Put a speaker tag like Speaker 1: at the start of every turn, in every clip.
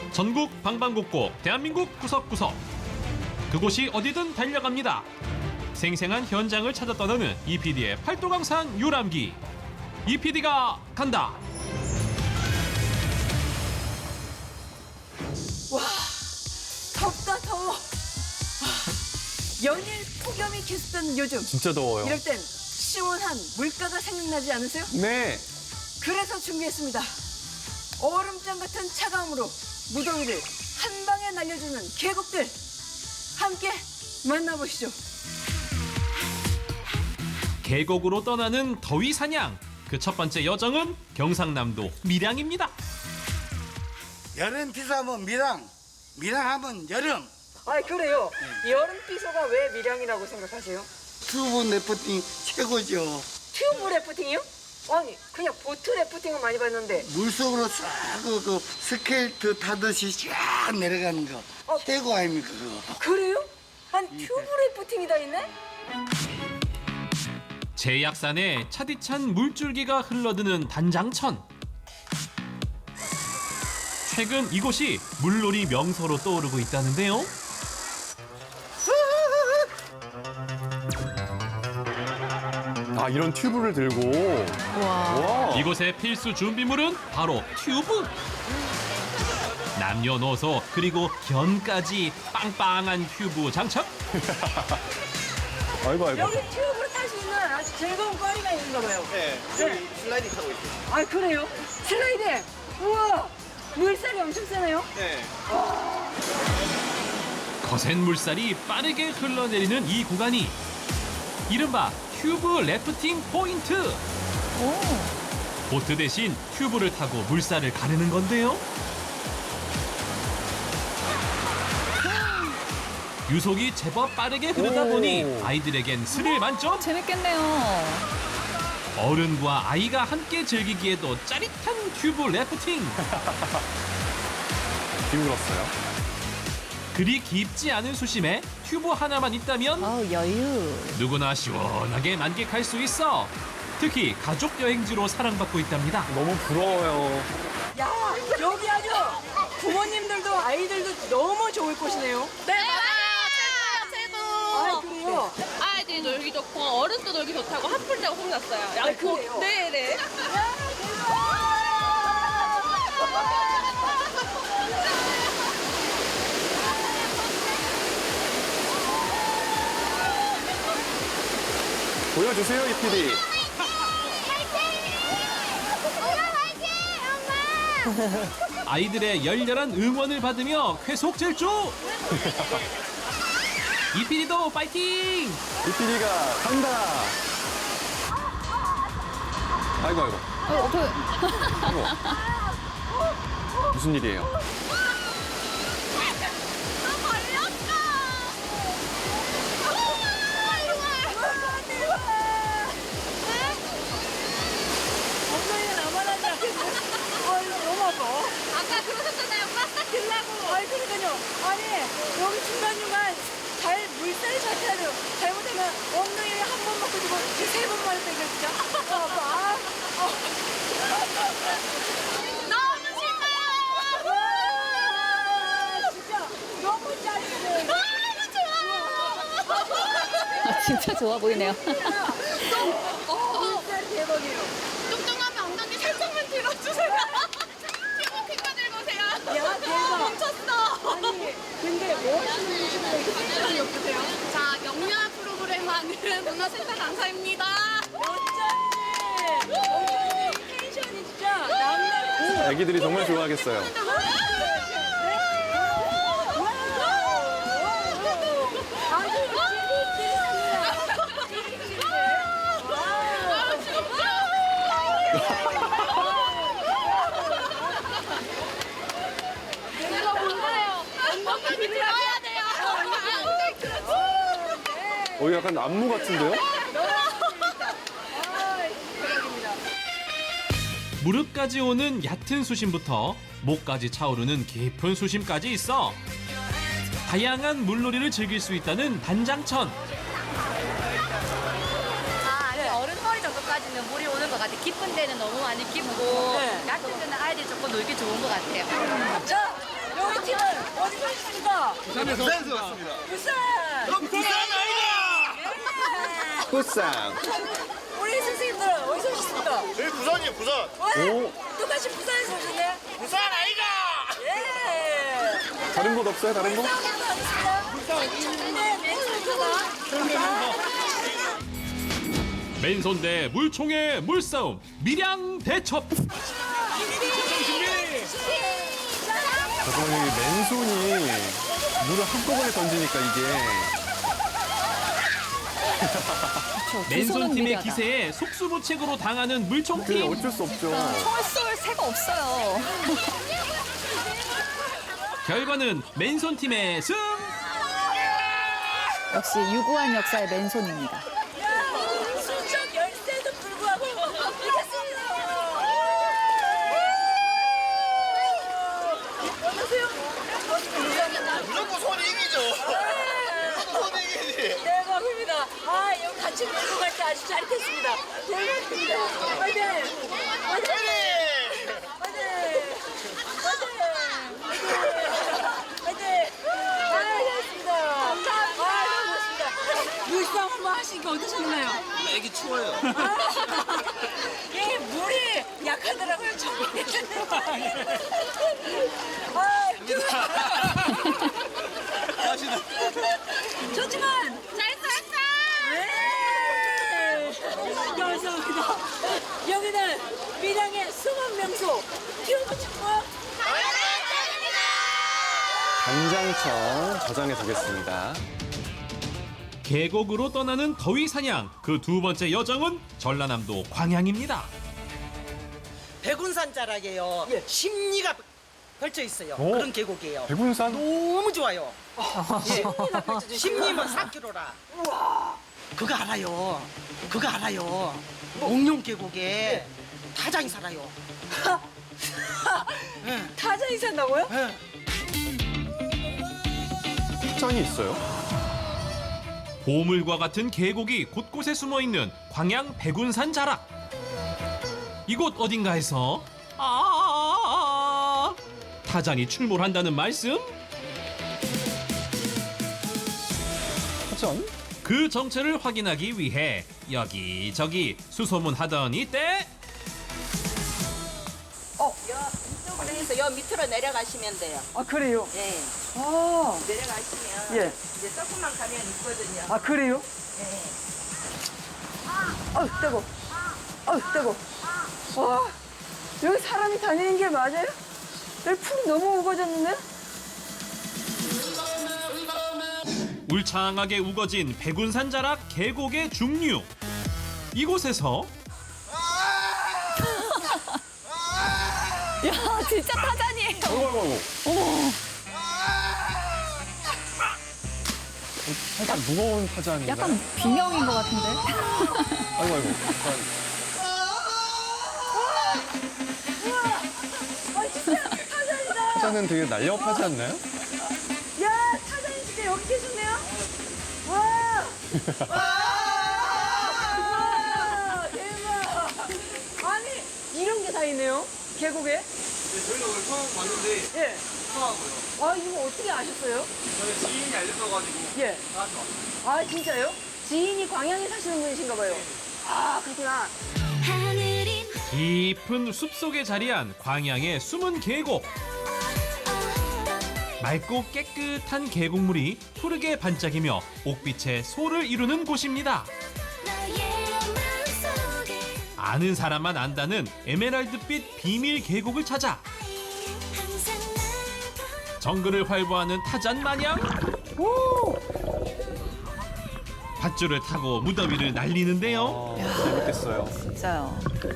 Speaker 1: 전국 방방곡곡 대한민국 구석구석 그곳이 어디든 달려갑니다. 생생한 현장을 찾아 떠나는 EPD의 팔도강산 유람기. EPD가 간다.
Speaker 2: 와, 덥다 더워. 연일 폭염이 계속되는 요즘.
Speaker 3: 진짜 더워요.
Speaker 2: 이럴 땐 시원한 물가가 생각나지 않으세요?
Speaker 3: 네.
Speaker 2: 그래서 준비했습니다. 얼음장 같은 차가움으로 무더위를 한 방에 날려주는 계곡들. 함께 만나보시죠.
Speaker 1: 계곡으로 떠나는 더위 사냥. 그 첫 번째 여정은 경상남도 밀양입니다.
Speaker 4: 여름 비싸면 밀양, 밀양하면 여름.
Speaker 2: 아, 그래요? 여름 비서가 왜 밀양이라고 생각하세요?
Speaker 4: 튜브 래프팅 최고죠.
Speaker 2: 튜브 래프팅이요? 아니, 그냥 보트 래프팅은 많이 봤는데.
Speaker 4: 물속으로 싹그 스케이트 타듯이 쫙 내려가는 거 최고 아닙니까 그거.
Speaker 2: 그래요? 아니, 튜브 래프팅이 다 있네?
Speaker 1: 제약산에 차디찬 물줄기가 흘러드는 단장천. 최근 이곳이 물놀이 명소로 떠오르고 있다는데요.
Speaker 3: 아, 이런 튜브를 들고. 와.
Speaker 1: 이곳의 필수 준비물은 바로 튜브. 남녀노소 그리고 견까지 빵빵한 튜브 장착.
Speaker 3: 아이고, 아이고.
Speaker 2: 여기 튜브로 탈 수 있는 아주 즐거운 거리가 있는가 봐요.
Speaker 5: 네, 여기 슬라이딩 타고 있어요.
Speaker 2: 아, 그래요? 슬라이딩! 우와! 물살이 엄청 세네요?
Speaker 5: 네.
Speaker 1: 거센 물살이 빠르게 흘러내리는 이 구간이 이른바 튜브 래프팅 포인트. 보트 대신 튜브를 타고 물살을 가르는 건데요. 유속이 제법 빠르게 흐르다 보니 아이들에겐 스릴 만점.
Speaker 6: 재밌겠네요.
Speaker 1: 어른과 아이가 함께 즐기기에도 짜릿한 튜브 래프팅.
Speaker 3: 뒹굴었어요.
Speaker 1: 그리 깊지 않은 수심에 튜브 하나만 있다면
Speaker 6: 아우, 여유.
Speaker 1: 누구나 시원하게 만끽할 수 있어. 특히 가족 여행지로 사랑받고 있답니다.
Speaker 3: 너무 부러워요.
Speaker 2: 야, 여기 아주 부모님들도 아이들도 너무 좋을 곳이네요.
Speaker 7: 네, 맞아요. 최고,
Speaker 2: 아,
Speaker 7: 최고.
Speaker 2: 그래요?
Speaker 7: 아이들이 놀기 좋고 어른도 놀기 좋다고 한풀자고 소문났어요.
Speaker 2: 아, 그래요?
Speaker 7: 네네.
Speaker 3: 보여주세요, EPD.
Speaker 1: 아이들의 열렬한 응원을 받으며 쾌속 질주. 이피디도 파이팅!
Speaker 3: EPD가 간다. 아이고, 아이고. 아이고. 무슨 일이에요?
Speaker 2: 엉덩이가 나만 하지 않겠어? 아, 이거 너무 아파.
Speaker 7: 아까 그러셨잖아요. 빡빡 들라고.
Speaker 2: 아니, 그러니까요. 아니, 여기 중간중간 잘 물살이 잘 타야 돼요. 잘못하면 엉덩이를 한 번 먹고 주고 세 번 말했다, 이거 진짜. 아, 아파. 아.
Speaker 7: 너무 신나요.
Speaker 2: 와, 진짜 너무 짜릿해요.
Speaker 7: 너무 좋아요.
Speaker 6: 아, 진짜 좋아 보이네요.
Speaker 2: 물살 대박이에요.
Speaker 7: 뚱뚱하면 엉덩이 살짝만 들어주세요. 튜브 핑거 들고 오세요.
Speaker 2: 야, 대박.
Speaker 7: 멈췄어.
Speaker 2: 아니, 근데 뭐 하시는 분이시면 이렇게 텐션이 없으세요?
Speaker 7: 자, 영유아 프로그램 하는 문화센터 강사입니다.
Speaker 2: 원장님! 원장님 텐션이 진짜 남다르세요.
Speaker 3: 애기들이 정말 좋아하겠어요.
Speaker 2: 아주
Speaker 7: 내가 뭔가요? 엉덩이 들어야 돼요.
Speaker 3: 약간 안무 같은데요?
Speaker 1: 무릎까지 오는 얕은 수심부터 목까지 차오르는 깊은 수심까지 있어 다양한 물놀이를 즐길 수 있다는 단장천.
Speaker 8: 아니 어른 허리 정도까지는 물이 오는 것 같아요. 깊은 데는 너무 많이 깊고
Speaker 2: 네.
Speaker 8: 얕은 데는 아이들이 조금 놀기 좋은 것 같아요.
Speaker 2: 자, 여기 팀은 어디서 오셨습니까?
Speaker 5: 부산에서 왔습니다.
Speaker 2: 부산.
Speaker 5: 부산 아이가!
Speaker 3: 부산.
Speaker 2: 우리 선생님들은 어디서 오셨습니까?
Speaker 5: 저희 부산이에요, 부산.
Speaker 3: 오.
Speaker 2: 똑같이 부산에서 오셨네.
Speaker 5: 부산 아이가!
Speaker 2: 예.
Speaker 3: 다른 곳 없어요? 다른 곳?
Speaker 2: 싸움도 하겠습니다. 네, 맨손입니다.
Speaker 1: 맨손 대 물총의 물싸움 밀양 대첩.
Speaker 3: 저번에 맨손이 물을 한꺼번에 던지니까 이게
Speaker 1: 맨손 팀의
Speaker 6: 미려다.
Speaker 1: 기세에 속수무책으로 당하는 물총
Speaker 3: 그게
Speaker 1: 팀.
Speaker 3: 어쩔 수 없죠.
Speaker 6: 총을 쏠 새가 없어요.
Speaker 1: 결과는 맨손 팀의 승.
Speaker 6: 역시 유구한 역사의 맨손입니다.
Speaker 2: 수적 열세도 불구하고 이겼습니다. 어떠세요?
Speaker 5: 무조건 손이 이기죠. 무조건 손이 이기지.
Speaker 2: 대박입니다. 아, 여기 같이 밀고 갈 때 아주 짜릿했습니다. 대박입니다. 화이팅! 화이팅! 화이팅! 화이팅! 아, 잘했습니다. 아, 고맙습니다. 물싸움 한번 하시니까 어떠셨나요?
Speaker 5: 애기 추워요.
Speaker 2: 예, 물이 약하더라고요, 처음에. 아, 좋지만
Speaker 7: 잘했어.
Speaker 2: 네. 감사합니다. 여기는 밀양의 숨은 명소 튜브 축구
Speaker 3: 간장청 저장해 두겠습니다.
Speaker 1: 계곡으로 떠나는 더위 사냥. 그 두 번째 여정은 전라남도 광양입니다.
Speaker 9: 백운산 자락에요. 심리가 펼쳐 있어요.
Speaker 3: 오.
Speaker 9: 그런 계곡이에요.
Speaker 3: 백운산?
Speaker 9: 너무 좋아요. 예. 심리면 4km라. 그거 알아요. 그거 알아요. 옥룡 계곡에 타장이 살아요.
Speaker 2: 타자이 산다고요?
Speaker 9: 예.
Speaker 3: 짠이 있어요?
Speaker 1: 보물과 같은 계곡이 곳곳에 숨어 있는 광양 백운산 자락. 이곳 어딘가에서 타잔이 출몰한다는 말씀?
Speaker 3: 타잔?
Speaker 1: 그 정체를 확인하기 위해 여기저기 수소문하던 이때
Speaker 8: 이쪽으로 해서 여 밑으로 내려가시면 돼요.
Speaker 2: 아, 그래요?
Speaker 8: 네.
Speaker 2: 아,
Speaker 8: 내려가시면
Speaker 2: 예.
Speaker 8: 이제 조금만 가면 있거든요.
Speaker 2: 아, 그래요?
Speaker 8: 네.
Speaker 2: 뜨거. 뜨거. 와, 여기 사람이 다니는 게 맞아요? 여기 풀이 너무 우거졌는데?
Speaker 1: 울창하게 우거진 백운산 자락 계곡의 중류. 이곳에서
Speaker 6: 야, 진짜 타잔이에요.
Speaker 3: 어머. 살짝 무거운 타잔인가요?
Speaker 6: 약간 비명인 것 같은데.
Speaker 3: 아이고. 타잔은 되게 날렵하지 않나요?
Speaker 2: 야, 타자님 진짜 여기 계셨네요? 와! 와! 대박! 아니, 이런 게 다 있네요? 계곡에?
Speaker 5: 저희가 오늘 처음 봤는데
Speaker 2: 예.
Speaker 5: 좋아하고요.
Speaker 2: 아, 이거 어떻게 아셨어요?
Speaker 5: 저희 지인이 알려줘가지고
Speaker 2: 예.
Speaker 5: 나한테 왔어요.
Speaker 2: 아, 진짜요? 지인이 광양에 사시는 분이신가 봐요. 아, 그렇구나.
Speaker 1: 깊은 숲속에 자리한 광양의 숨은 계곡. 맑고 깨끗한 계곡물이 푸르게 반짝이며 옥빛의 소를 이루는 곳입니다. 아는 사람만 안다는 에메랄드빛 비밀 계곡을 찾아 정글을 활보하는 타잔 마냥 밧줄을 타고 무더위를 날리는데요.
Speaker 3: 재밌겠어요.
Speaker 6: 진짜요.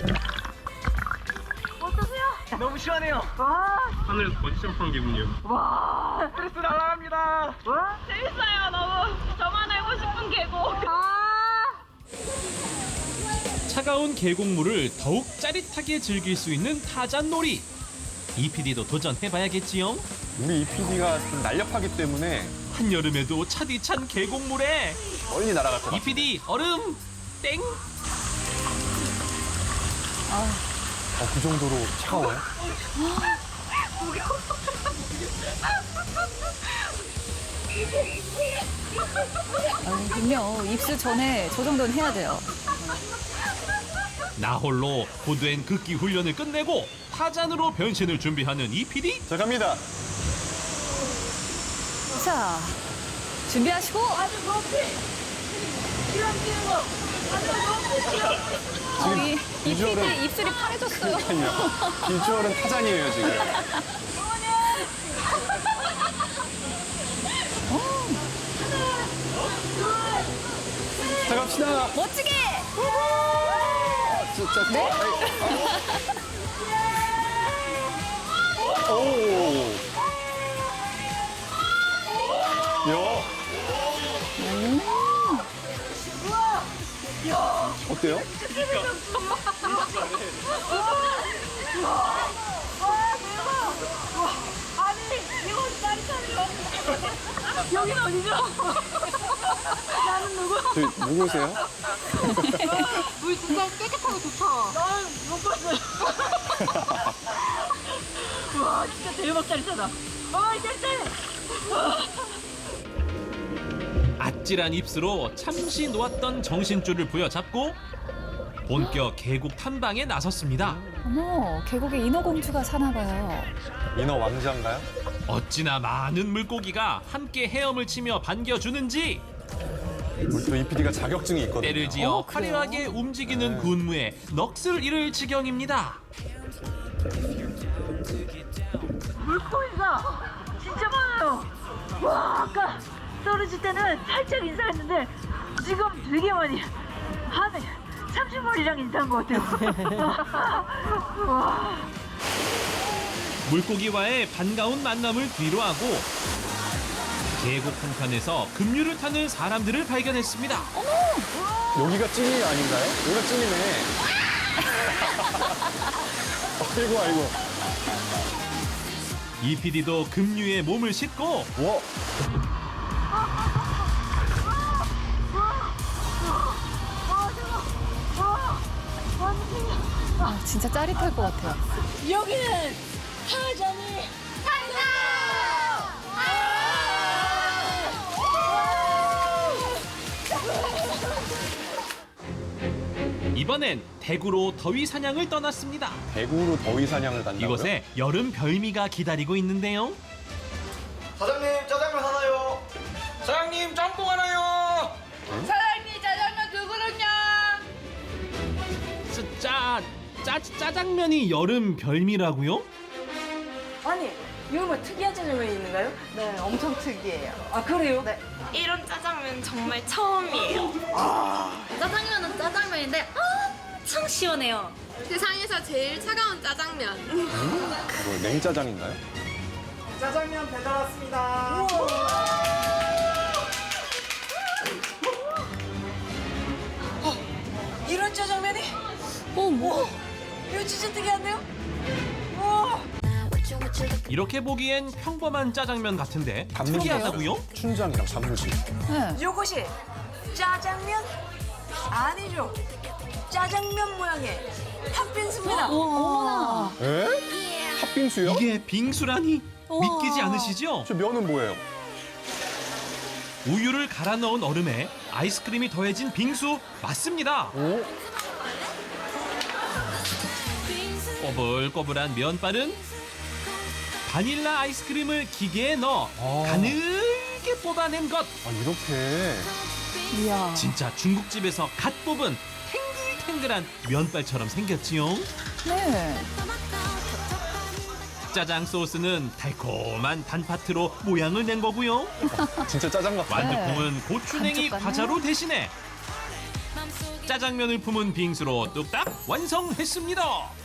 Speaker 5: 너무 시원해요.
Speaker 1: 하늘 번쩍한 기분이요.
Speaker 5: 스트레스 날아갑니다.
Speaker 7: 재밌어요. 너무 저만 알고 싶은 계곡.
Speaker 1: 차가운 계곡물을 더욱 짜릿하게 즐길 수 있는 타잔놀이. 이 PD도 도전해봐야겠지요?
Speaker 3: 우리 이 PD가 좀 날렵하기 때문에
Speaker 1: 한여름에도 차디찬 계곡물에
Speaker 3: 멀리 날아갈 것
Speaker 1: 이
Speaker 3: 같아요.
Speaker 1: PD 얼음 땡.
Speaker 3: 그 정도로 차가워요?
Speaker 6: 그럼요. 입수 전에 저 정도는 해야 돼요.
Speaker 1: 나홀로 고된 극기 훈련을 끝내고 타잔으로 변신을 준비하는 이 PD.
Speaker 3: 자, 갑니다.
Speaker 6: 자, 준비하시고.
Speaker 2: 아주 높이 이런 뛰는 거 아주 높이
Speaker 6: 이
Speaker 3: 비주얼은-
Speaker 6: PD 입술이 파래졌어요.
Speaker 3: 비주얼은 타잔이에요, 지금. 자, 갑시다.
Speaker 6: 멋지게.
Speaker 3: 진짜. 네? 오. 야. 어때요?
Speaker 2: 아니 이거 말이 차리고 여기는 어디죠? 나는 누구?
Speaker 3: 저 누구세요?
Speaker 2: 물 진짜 깨끗하고 좋다. 나는 못 봤어요. 와 진짜 대박 짜리잖아. 짤짤.
Speaker 1: 아찔한 입수로 잠시 놓았던 정신줄을 부여잡고 본격 계곡 탐방에 나섰습니다.
Speaker 6: 어머, 계곡에 인어공주가 사나 봐요.
Speaker 3: 인어 왕자인가요?
Speaker 1: 어찌나 많은 물고기가 함께 헤엄을 치며 반겨주는지
Speaker 3: 우리 또 이 PD가 자격증이 있거든요.
Speaker 1: 때를 지어
Speaker 6: 그래요?
Speaker 1: 화려하게 움직이는 군무에 넋을 잃을 지경입니다.
Speaker 2: 물고기가 진짜 많아요. 와 아까 떨어질 때는 살짝 인사했는데 지금 되게 많이 한 30마리랑 인사한 것 같아요. 와.
Speaker 1: 물고기와의 반가운 만남을 뒤로하고 계곡 한켠에서 급류를 타는 사람들을 발견했습니다.
Speaker 3: 여기가 찐이 아닌가요? 여기가 찐이네. 아이고, 아이고.
Speaker 1: 이 PD도 급류에 몸을 싣고
Speaker 3: 와.
Speaker 6: 아, 진짜 짜릿할 것 같아요.
Speaker 2: 여기는 타잔이
Speaker 1: 이번엔 대구로 더위 사냥을 떠났습니다.
Speaker 3: 대구로 더위 사냥을 간다고요?
Speaker 1: 이곳에 여름 별미가 기다리고 있는데요.
Speaker 5: 사장님 짜장면 하나요. 사장님 짬뽕 하나요.
Speaker 2: 사장님 짜장면 두 그릇요.
Speaker 1: 짜장면이 여름 별미라고요?
Speaker 2: 아니 이거 뭐 특이한 짜장면이 있는가요?
Speaker 9: 네, 엄청 특이해요.
Speaker 2: 아 그래요?
Speaker 9: 네.
Speaker 7: 이런 짜장면 정말 처음이에요.
Speaker 10: 짜장면은 짜장면인데 엄청 시원해요.
Speaker 7: 세상에서 제일 차가운 짜장면.
Speaker 3: 뭐 냉짜장인가요?
Speaker 5: 짜장면 배달 왔습니다.
Speaker 2: 이런 짜장면이? 오, 이거 진짜 특이한데요? 우와.
Speaker 1: 이렇게 보기엔 평범한 짜장면 같은데 특이하다고요?
Speaker 3: 춘장이랑 단무지.
Speaker 6: 네.
Speaker 2: 이것이 짜장면? 아니죠. 짜장면 모양의 팥빙수입니다.
Speaker 6: 어머나.
Speaker 3: 에? 팥빙수요?
Speaker 1: 이게 빙수라니 믿기지 않으시죠?
Speaker 3: 저 면은 뭐예요?
Speaker 1: 우유를 갈아 넣은 얼음에 아이스크림이 더해진 빙수 맞습니다.
Speaker 3: 오?
Speaker 1: 꼬불꼬불한 면발은 바닐라 아이스크림을 기계에 넣어 가늘게 뽑아낸 것.
Speaker 3: 아, 이렇게.
Speaker 6: 이야.
Speaker 1: 진짜 중국집에서 갓 뽑은 탱글탱글한 면발처럼 생겼지요.
Speaker 6: 네.
Speaker 1: 짜장 소스는 달콤한 단팥으로 모양을 낸 거고요.
Speaker 3: 진짜 짜장 같아.
Speaker 1: 완두콩은 고추냉이
Speaker 6: 감쪽같네.
Speaker 1: 과자로 대신해 짜장면을 품은 빙수로 뚝딱 완성했습니다.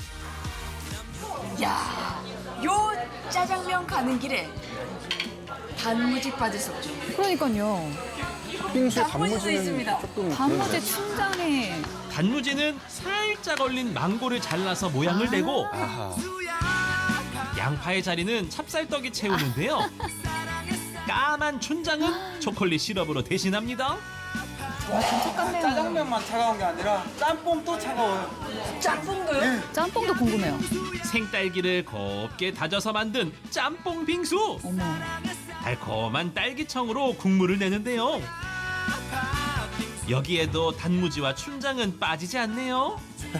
Speaker 2: 야, 요 짜장면 가는 길에 단무지 빠질 수 없죠.
Speaker 6: 그러니까요.
Speaker 3: 팥빙수에
Speaker 2: 단무지도
Speaker 3: 단무지는
Speaker 2: 있습니다.
Speaker 3: 조금.
Speaker 6: 단무지
Speaker 3: 그런데.
Speaker 6: 춘장에.
Speaker 1: 단무지는 살짝 얼린 망고를 잘라서 모양을 내고
Speaker 3: 아하.
Speaker 1: 양파의 자리는 찹쌀떡이 채우는데요. 까만 춘장은 초콜릿 시럽으로 대신합니다.
Speaker 5: 짜장면만 차가운 게 아니라 짬뽕도 차가워요.
Speaker 2: 짬뽕도요?
Speaker 6: 짬뽕도 궁금해요.
Speaker 1: 생딸기를 곱게 다져서 만든 짬뽕 빙수.
Speaker 6: 어머.
Speaker 1: 달콤한 딸기청으로 국물을 내는데요. 여기에도 단무지와 춘장은 빠지지 않네요.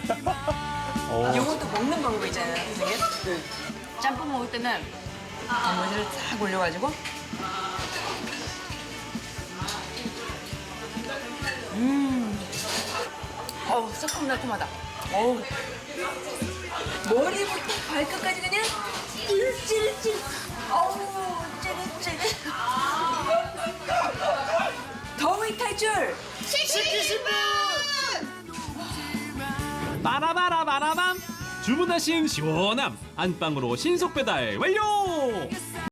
Speaker 2: 이것도 먹는 방법 있잖아요, 선생님. 짬뽕 먹을 때는 단무지를 싹 올려가지고 어우, 새콤달콤하다. 어우. 머리부터 발끝까지 그냥 찔찔찔. 어우, 찌릿찌릿. 더위 탈출!
Speaker 1: 빠라바라바라밤. 주문하신 시원함 안방으로 신속 배달 완료.